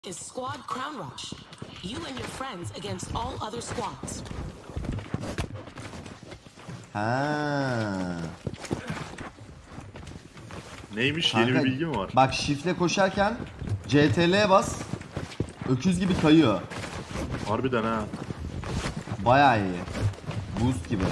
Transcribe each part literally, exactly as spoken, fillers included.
is Squad Crown Rush. You and your friends against all other squads. Ha. Neymiş? Kanka, Yeni bir bilgi mi var? Bak şifle koşarken C T L'ye bas. Öküz gibi kayıyor. Harbiden ha. Bayağı iyi. Boost gibi.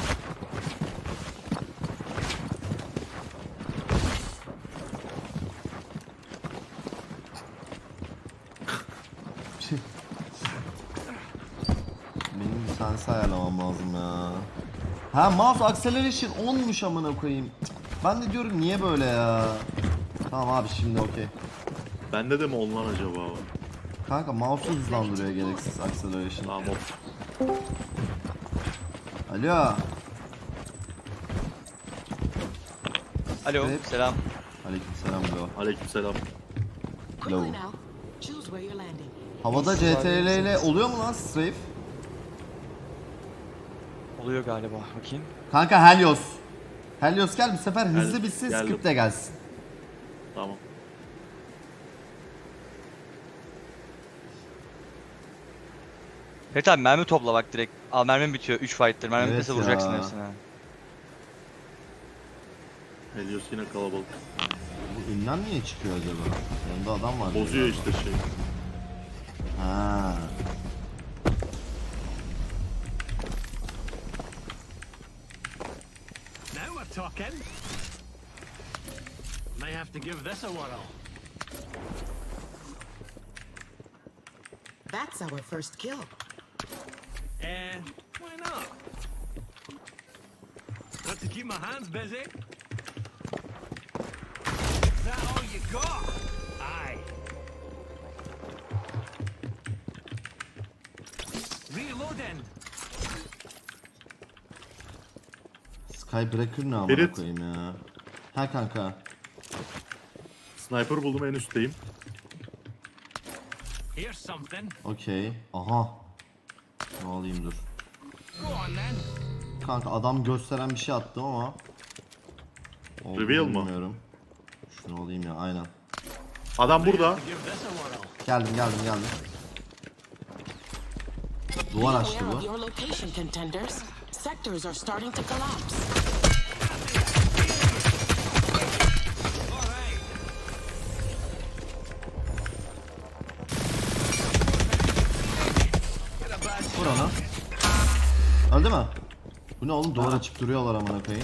Benim bir tanesi ayarlamam lazım ya. Ha, mouse acceleration onmuş amına koyayım. Ben de diyorum niye böyle ya. Tamam abi, şimdi okey. Bende de mi ondan acaba? Kanka mouse'u hızlandırıyor gereksiz acceleration. Tamam. Alo. Alo, Evet. selam. Aleykümselam bro. Aleykümselam. Quickly Hello. now, choose where you're landing. Havada C T L ile oluyor mu lan strafe? Oluyor galiba, bakayım. Kanka Helios. Helios gel, bu sefer hızlı Gel- bitsin, geldim. script de gelsin. Tamam. Evet abi, mermi topla bak direkt. Al, mermim bitiyor, üç fight'tir. Mermi Evet bitmese vuracaksın ya. hepsine. Helios yine kalabalık. Bu ünlem niye çıkıyor acaba? Yanında adam var. Bozuyor işte şey. Ha. Now we're talking. May have to give this a whirl. That's our first kill. Eh, why not? Got to keep my hands busy. Is that all you got? Aye. Reloading. Skybreaker ne amına Ferit. koyayım ya. Ha kanka. Sniper buldum, en üstteyim. Here's something. Okey. Aha. Ne alayım dur. Go on then. Kanka adam gösteren bir şey attım ama. Olduğunu Reveal mı? bilmiyorum. Şunu alayım ya, aynen. Adam burada. To give this a whirl. Geldim geldim geldim. Duvar açtı Beware bu. of your location, contenders. Sectors are starting to collapse. Vur onu. Öldü mü? Bu ne oğlum, duvar açıp duruyorlar amına koyayım.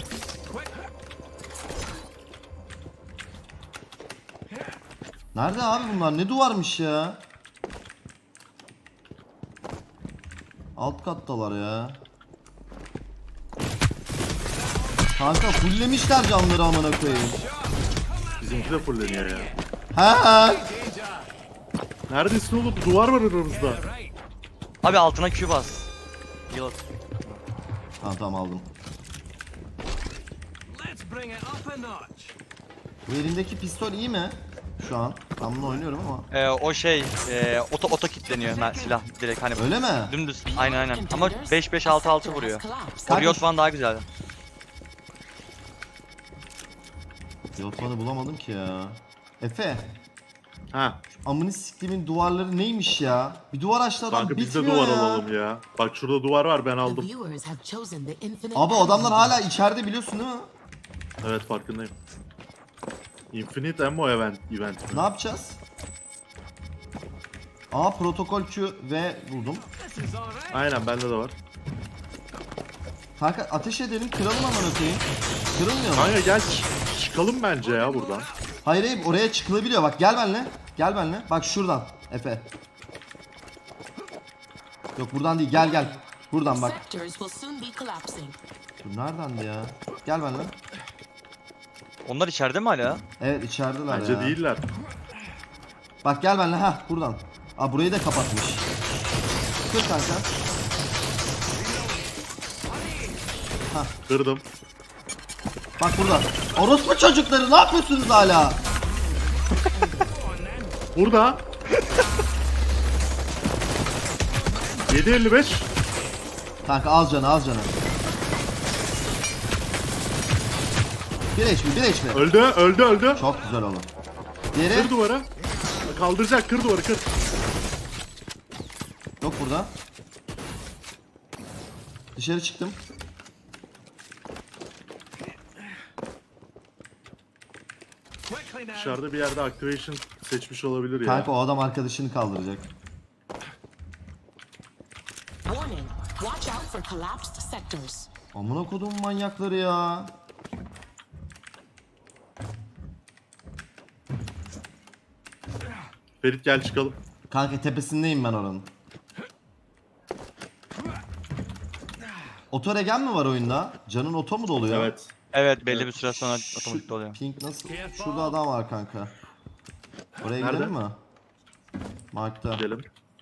Nerede abi bunlar? Ne duvarmış ya? Alt kattalar ya. Kanka fulllemişler camları amına koyayım. Bizimki de fulleniyor ya. Ha? Neredesin oğlum? Duvar var aramızda. Abi altına Q bas. Yıl. Tamam tamam aldım. Let's bring it up a notch. Bu elimdeki pistol iyi mi? Şu an. Ben bunu oynuyorum ama. Ee, o şey, e, oto oto kilitleniyor mer- silah direkt hani. Öyle mi? Dümdüz. Aynen aynen. Ama beş beş altı altı vuruyor. Kanka- Riot falan daha güzel. Yotmanı bulamadım ki ya. Efe. Ha. Amını siktiğimin duvarları neymiş ya? Bir duvar açtı adam, Kanka biz de bitmiyor duvar ya. alalım ya. Bak şurada duvar var, ben The aldım. viewers have chosen the infinite. Abi adamlar hala içeride, biliyorsun değil mi? Evet, farkındayım. Infinite Ammo event, event Ne mi? yapacağız? Aa, protokol Q ve buldum. This is alright. Aynen, bende de var. Kanka ateş edelim, kıralım amına koyayım. Kırılmıyor mu? Kanka gel ç- çıkalım bence ya buradan. Hayır hayır, oraya çıkılabiliyor, bak gel benimle. Gel benimle. Bak şuradan Efe. Yok buradan değil, gel gel. Buradan bak. Sectors will soon be collapsing. Dur, neredendi ya? Gel benimle. Onlar içeride mi hala? Evet, içerideler Bence ya. değiller. Bak gel benimle, ha buradan. Aa, burayı da kapatmış. Kır kanka. Kırdım. Bak burada. Orospu çocukları, ne yapıyorsunuz hala? Burada. yedi elli beş. Kanka az canı, az canı. Bir H P, bir H P. Öldü, öldü, öldü. Çok güzel oğlum. Diğeri. Kır duvarı. Kaldıracak, kır duvarı, kır. Yok burada. Dışarı çıktım. Quickly now. Dışarıda bir yerde activation seçmiş olabilir ya. Kanka o adam arkadaşını kaldıracak. Warning. Watch out for collapsed sectors. Amına kodum manyakları ya. Ferit gel çıkalım. Kanka tepesindeyim ben oranın. Oto regen mi var oyunda? Canın oto mu doluyor? Evet. Evet belli bir süre sonra Şu otomatik oluyor. Pink nasıl? Şurada adam var kanka. Oraya Nerede? gidelim mi? Mark'ta. Gidelim.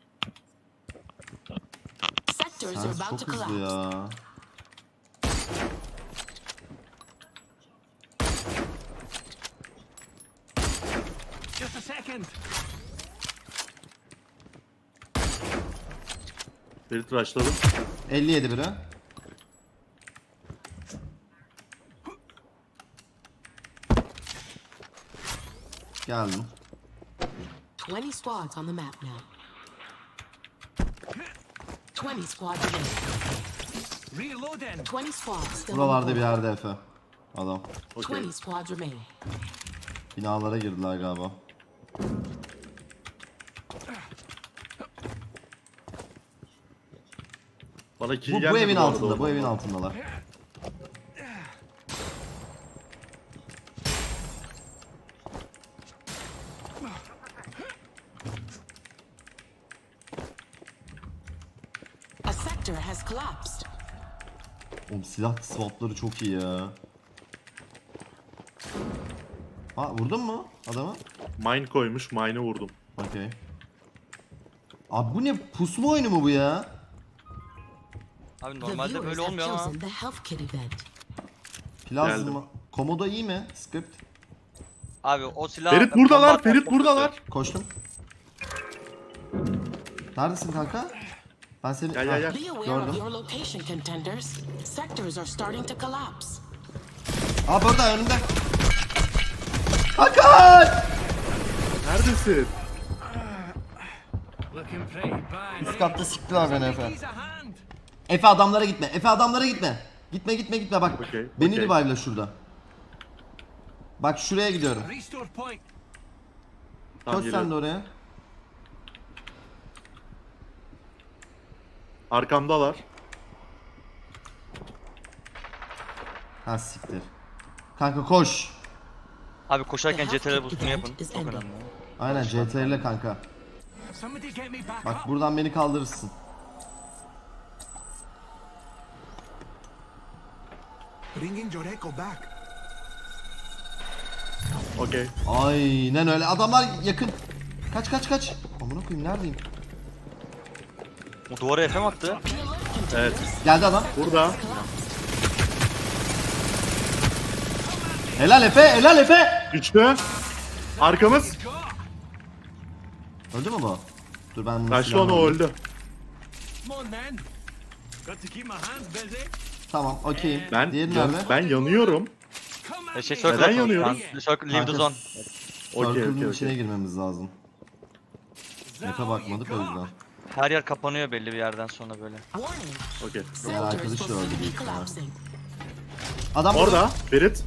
Sectors Sen are about to çok hızlı collapse. ya. Just a second. Ferit rushladım. elli yedi biri. Geldim. twenty squads on the map now. twenty squads remaining. Reloading. twenty squads still on Buralarda the bir board. yerde Efe. Adam. Okey. twenty squads remaining. Binalara girdiler galiba. Bana kill Bu, gelmedi bu evin arada altında, bu oradan. evin altındalar. A sector has collapsed. Oğlum silah swapları çok iyi ya. Ha vurdun mu adamı? Mine koymuş, mine'ı vurdum. Okey. Abi bu ne pusma oyunu mu bu ya? Abi The normalde viewers böyle have olmuyor ama. chosen the health kit event. Plazma. Geldim. Komodo iyi mi? Script. Abi o silah... Ferit buradalar, Bomba- Ferit buradalar. Koştum. Neredesin kanka? Ben seni... Gel, gel, gel. Be aware of Gördüm. your location, contenders. Sectors are starting to collapse. Aa burada önümde. Hakan! Neredesin? Looking pretty bad. Üst katta siktiler beni Efe. He's a hand. Efe adamlara gitme. Efe adamlara gitme. Gitme gitme gitme bak. Okey, Beni okey. revive'la şurada. Bak şuraya gidiyorum. Restore point. Tamam, Koş sen de geliyorum. oraya. Arkamdalar. Ha siktir. Kanka koş. Abi koşarken The C T R health boostunu kit yapın. event is Çok ending. önemli. Aynen C T R ile kanka. Somebody get me back Bak up. buradan beni kaldırırsın. Bringing Joreko back. Okey. Aynen öyle. Adamlar yakın. Kaç kaç kaç. Amına koyayım neredeyim? O duvara F M attı. Evet. Geldi adam. Burada. Helal Efe, helal Efe. Üçlü. Arkamız. Öldü mü bu? Dur ben bunu Kaçtı silahla onu alayım. öldü. Come on then. Got to keep my hands busy. Tamam, okeyim. Ben Diğeri yan- nerede? ben yanıyorum. Come E at şey me. circle Neden atalım. yanıyoruz? Ben- Circle leave the Kanka, zone. Okey, Circle'ın okey, içine okey. girmemiz lazım. Map'e bakmadık o yüzden. Her yer kapanıyor belli bir yerden sonra böyle. Warning. Okey. Diğer Sectors arkadaş da will öldü soon be büyük ihtimal. collapsing. Adam burada. Orada. Ferit.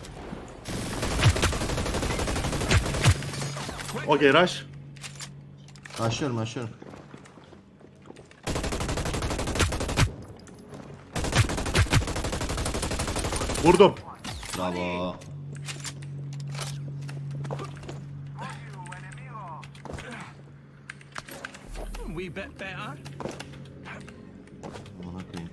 Okey, rush. Aşıyorum, aşıyorum. Vurdum. Bravo. Wee bit better. Amına koyayım.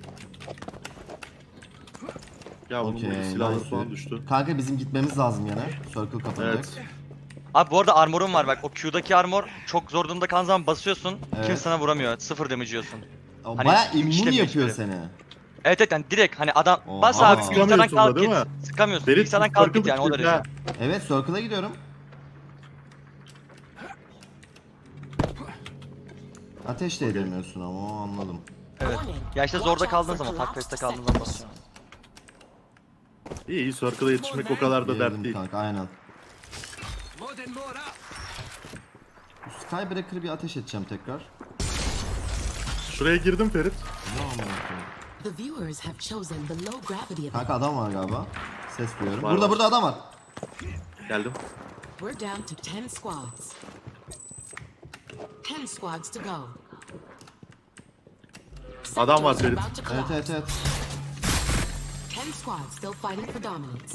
Ya bunun Okey, burada silahları nice. falan düştü. Kanka bizim gitmemiz lazım yine. Circle kapanacak. Evet. Abi bu arada armorum var bak. O Q'daki armor çok zor durumda kaldığın zaman basıyorsun. Evet. Kimse sana vuramıyor. Sıfır damage yiyorsun. O Hani Baya immun işlemiyor yapıyor hiçbiri. seni. Evet evet yani direkt hani adam Oha. bas Ama abi bilgisayardan sıkamıyorsun da kalk değil git. mi? Sıkamıyorsun. Ferit Bilgisayardan kalk git circle yani o düştü, derece. ha. Evet, Circle'a gidiyorum. Ateş de edemiyorsun ama o anladım. Evet. Warning. Ya işte Watch zorda out kaldığın for zaman, collapsed takveste kaldığın zaman sectors. basıyorsun. İyi iyi circle'a yetişmek o kadar da dert Girdim değil. kanka, aynen. Loading more up. Skybreaker'ı bir ateş edeceğim tekrar. Şuraya girdim Ferit. Ne amına koyayım? The viewers have chosen the low gravity event. Kanka adam var galiba. Ses duyuyorum. Var, burada var. burada adam var. Geldim. We're down to ten squads. Ten squads to go. Adam var Sectors are Ferit. about to Evet collapse. evet evet. Ten squads still fighting for dominance.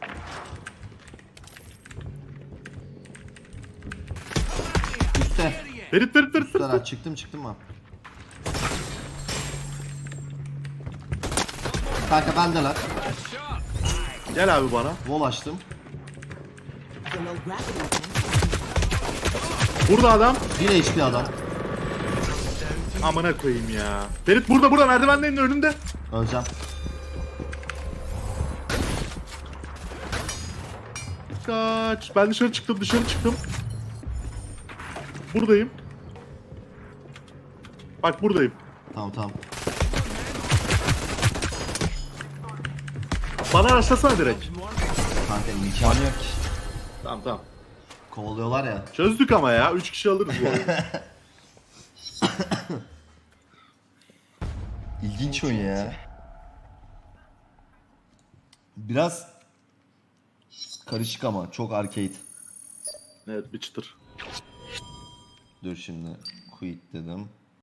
Üstte. Ferit Ferit Ferit Ferit. Üstler çıktım çıktım ben. Kanka bendeler. Gel abi bana. Wall açtım. The low gravity event. Burada adam. Bir H P adam. Amına koyayım ya. Ferit burada burada merdivenlerin önünde. Öleceğim. Kaç. Ben dışarı çıktım dışarı çıktım. Buradayım. Bak buradayım. Tamam tamam. Bana rastlasana direkt. Kanka imkanı yok ki. Tamam tamam. Kovalıyorlar ya. Çözdük ama ya. Üç kişi alırız bu oyunu. İlginç oyun ya. Biraz karışık ama çok arcade. Evet bir çıtır. Dur şimdi quit dedim.